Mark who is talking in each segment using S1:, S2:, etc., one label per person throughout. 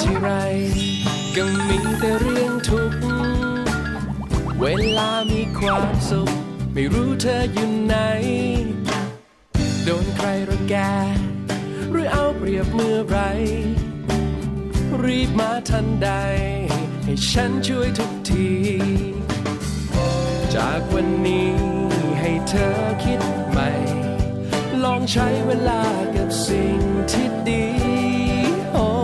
S1: ทีไรก็มีแต่เรื่องทุกข์เวลามีความสุขไม่รู้เธออยู่ไหนโดนใครรังแกหรือเอาเปรียบเมื่อไรรีบมาทันใดให้ฉันช่วยทุกทีจากวันนี้ให้เธอคิดใหม่ลองใช้เวลากับสิ่งที่ดีโอ้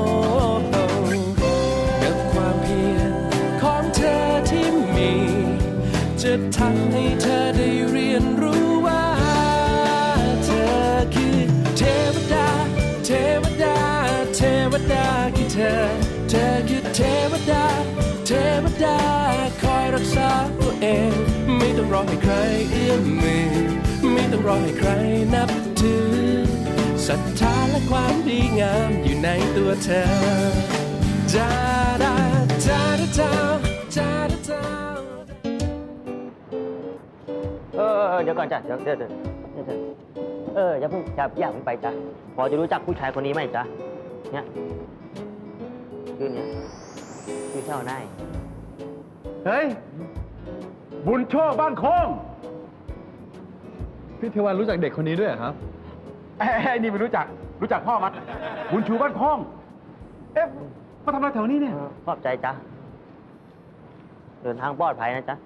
S1: กับความเพียรของเธอที่มีจะทำให้เธอได้เรียนรู้ว่าเธอคือเทวดาเทวดาเทวดาคือเธอคือเทวดาเทวดาคอยรักษาตัวเองไม่ต้องรอให้ใครเอื้อมมือไม่ต้องรอให้ใครนับถือศรัทธาและความดีงามอยู่ในตัวเธอจาดาจาดาจาจาดาจา
S2: เดี๋ยวก่อนจ้ะเดี๋ยวอย่าเพิ่งไปจ้ะพอจะรู้จักผู้ชายคนนี้ไหมจ๊ะเนี่ยชื่อเท่าไหน
S3: เฮ้ยบุญโชคบ้านโค้งพี่เทวันรู้จักเด็กคนนี้ด้วยครับไอ้นี่ไม่รู้จักพ่อมันบุญชูบ้านโค้งเอ๊ะมาทำอะไรแถวนี้เนี่ย
S2: ขอบใจจ้ะเดินทางปลอดภัยนะจ๊ะ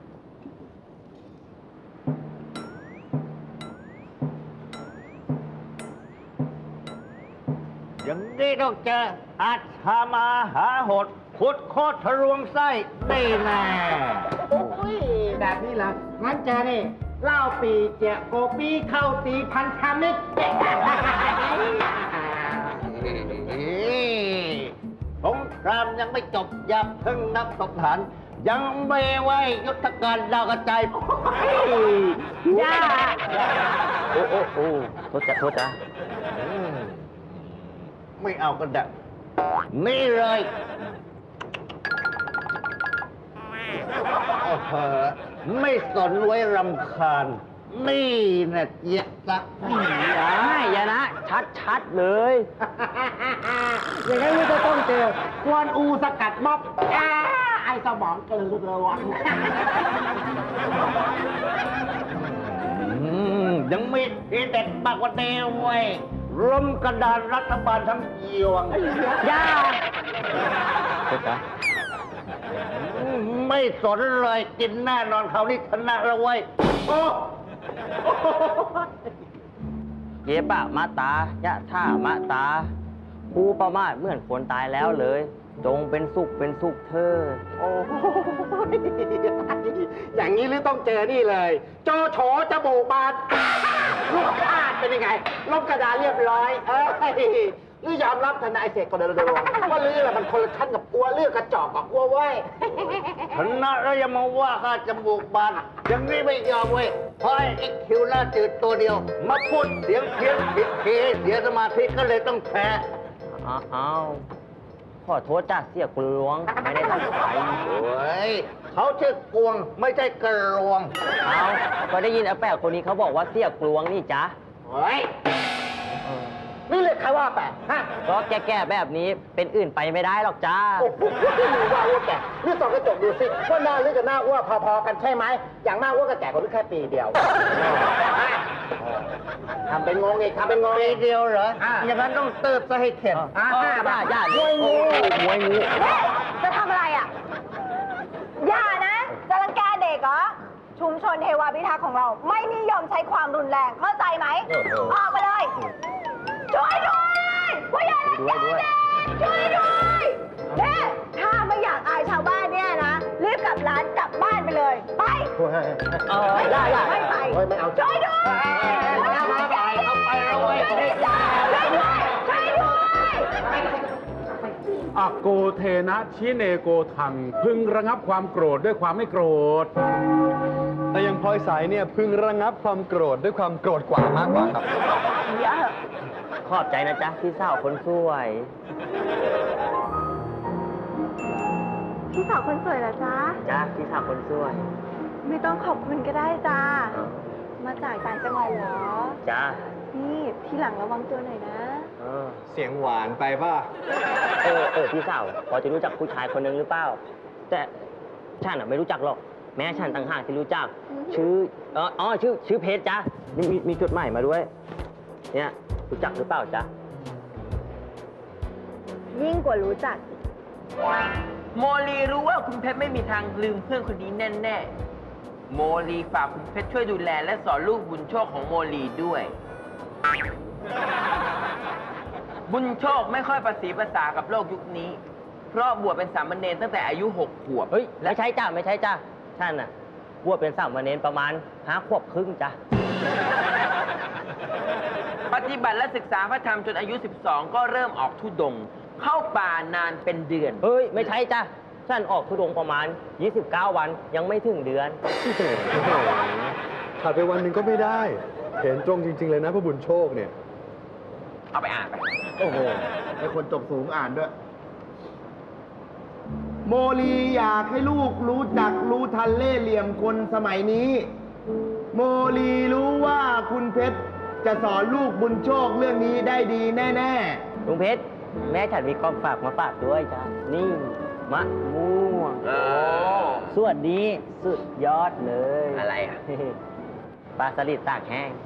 S2: อย่างนี้ต้องเจออาชามาหาหดขุดโคตรทะลวงไส้ได้แน่
S4: โอ้ยแบบนี้เหรองั้นเจอนี่เหล้าปีเจียโกปีเข้าตีพันธมิตร
S2: สงครามยังไม่จบอย่าเพิ่งนับศพฐานยังไม่ไว้ยุทธการดาวกระจาย
S4: ย่า
S2: โอ้โทษจ้ะไม่เอากันดักนี่เลยไม่สนไว้รำคาญนี่นะเจี๊ยบสักอย่านะชัดเลย
S4: อย่างนี้จะต้องเจอกวนอูสกัดม็อบไอสมองกลืนระวัง
S2: ยังมีทีเด็ดมากกว่าเดิมเว้ยรวมกระดานรัฐบาลทั้งยวง
S4: ย่า
S2: ไม่สนเลยกินแน่นอนเขานี่ชนะแล้วเว้ยเย็บะมาตายะท่ามะตาผู้ประมาทเหมือนคนตายแล้วเลยจงเป็นสุขเธอ
S4: โอ้อย่างนี้หรือต้องเจอนี่เลยโจโฉจมูกบานลูกอาดเป็นยังไงลบกระดาษเรียบร้อยหรือยอมรับทนายเสกคนเดียวว่าลือแหละมันคนละชั้นกับอัวเลือกกระจอกกับอัวไว้
S2: ชนะแล้วยังมาว่าข้าจมูกบานอย่างนี้ไม่ยอมเว้ยเพราะไอ้คิวหน้าจืดตัวเดียวมาพูดเสียงเพี้ยนผิดเคเสียสมาธิก็เลยต้องแพ้อ้าวขอโทษจ้าเสียกลวงไม่ได้ตั้งใจโอ้ยเขาชื่อกวงไม่ใช่กระลวงเอาก็ได้ยินอาแปะคนนี้เขาบอกว่าเสียกลวงนี่จ้ะ
S4: เฮ้ยนี่เลยใครว่าแปะฮะ
S2: เพราะแก่ๆแบบนี้เป็นอื่นไปไม่ได้หรอกจ้า
S4: โอ้โหว่าอ้วนแก่นี่ส่องกระจกดูสิว่าหน้าลึกกับหน้าอ้วนพอๆกันใช่ไหมอย่างหน้าอ้วนกับแก่กว่าลึกแค่ปีเดียวทำเป็นงงอีกทำเป็นงง
S2: ปีเดียวเหรออย่างนั้นต้องเติบซะให้เข็ด
S4: ย่ามวยงู
S5: จะทำอะไรอ่ะอย่านะจะรังแกเด็กเหรอชุมชนเทวาพิทักษ์ของเราไม่นิยมใช้ความรุนแรงเข้าใจไหมออกไปเลยช่วยด้วยผู้ใหญ่รังแกเด็กช่วยด้วยเนี่ยถ้าไม่อยากอายชาวบ้านเนี่ยนะรีบกลับร้านกลับบ้านไปเลยไป
S4: ได้
S5: ไม่ไป
S4: ไม่เอา
S5: ช่วยด้วย
S2: เอาไปเอาไว้
S5: ช่วยด้วย
S3: อโกเทนะชิเนโกทังพึงระงับความโกรธด้วยความไม่โกรธแต่ยังพลอยสายเนี่ยพึงระงับความโกรธด้วยความโกรธกว่ามากกว่าครับ
S2: ขอบใจนะจ๊ะพี่สาวคนสวย
S5: พี่สาวคนสวยเหรอจ๊ะ
S2: จ้าพี่สาวคนสวย
S5: ไม่ต้องขอบคุณก็ได้จ้ามาจากต่างจังหวัดเหรอ
S2: จ้า
S5: นี่ทีหลังระวังตัวหน่อยนะ
S3: เสียงหวานไปป่ะ
S6: พี่สาวพอจะรู้จักผู้ชายคนหนึ่งหรือเปล่า แต่ฉันไม่รู้จักหรอก แม้ฉันต่างหากที่รู้จัก ชื่อเพชรจ้ะมีจดหมายมาด้วย เนี่ยรู้จักหรือเปล่าจ๊ะ
S5: ยิ่งกว่ารู้จัก
S7: โมลีรู้ว่าคุณเพชรไม่มีทางลืมเพื่อนคนนี้แน่ๆ โมลีฝากคุณเพชรช่วยดูแลและสอนลูกบุญโชคของโมลีด้วย บุญโชคไม่ค่อยประสีภาษากับโลกยุคนี้ เพราะบวชเป็นสามเณรตั้งแต่อายุ 6 ขวบ
S6: เฮ้ยแล้วใช่จ้ะไม่ใช่จ้ะท่านน่ะบวชเป็นสามเณรประมาณ5 ขวบครึ่งจ้ะ
S7: ปฏิบัติและศึกษาพระธรรมจนอายุ 12 ก็เริ่มออกธุดงค์เข้าป่านานเป็นเดือน
S6: เฮ้ยไม่ใช่จ้ะท่านออกธุดงค์ประมาณ 29 วันยังไม่ถึงเดือน
S3: ขาดไปวันหนึ่งก็ไม่ได้ เห็นตรงจริง ๆ เลยนะพระบุญโชคเนี่ย
S7: เอาไปอ่านไป
S4: โอ้โหไอคนจบสูงอ่านด้วย โมลีอยากให้ลูกรู้จักรู้ทันเล่ห์เหลี่ยมคนสมัยนี้ โมลีรู้ว่าคุณเพชรจะสอนลูกบุญโชคเรื่องนี้ได้ดีแน่
S6: ลุงเพชรแม่ฉันมีของฝากมาฝากด้วยจ้ะนี่มะม่วง
S7: โอ้
S6: ส่วนนี้สุดยอดเลย
S7: อะไรอ่ะ
S6: ปลาสลิดตากแห้ง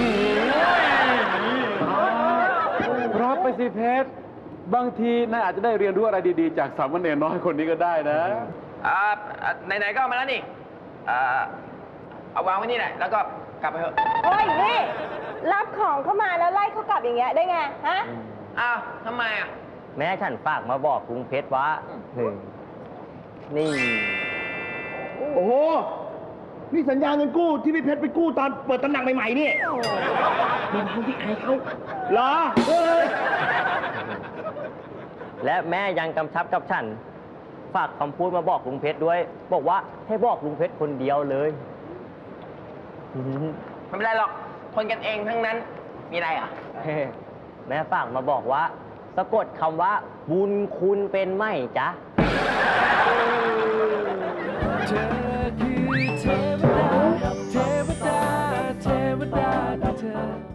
S3: รับไปสิเพชร บางทีนายอาจจะได้เรียนรู้อะไรดีๆ จากสามเณรน้อยคนนี้ก็ได้นะ
S7: ไหนๆก็เอามาแล้วนี่เอาวางไว้นี่แหละ แล้วก็กลับไปเถอะ
S5: โอ้ยนี่ รับของเข้ามาแล้วไล่เขากลับอย่างเงี้ยได้ไง ฮะ
S7: อ้าวทำไมอ่ะ
S6: แม่ฉันฝากมาบอกลุงเพชรว่านี่
S4: ๆ โอ้โห นี่สัญญาเงินกู้ที่พี่เพชรไปกู้ตอนเปิดตำหนักใหม่ๆนี่เป็นผู้ที่อายเขาเหรอ
S6: และแม่ยังกำชับกับฉัน ฝากคำพูดมาบอกลุงเพชรด้วย บอกว่าให้บอกลุงเพชรคนเดียวเลย
S7: ไม่เป็นไรหรอก คนกันเองทั้งนั้น มีอะไรอ่ะ
S6: แม่ฝากมาบอกว่า สะกดคำว่า บุญคุณเป็นไหมจ๊ะ
S1: เธอ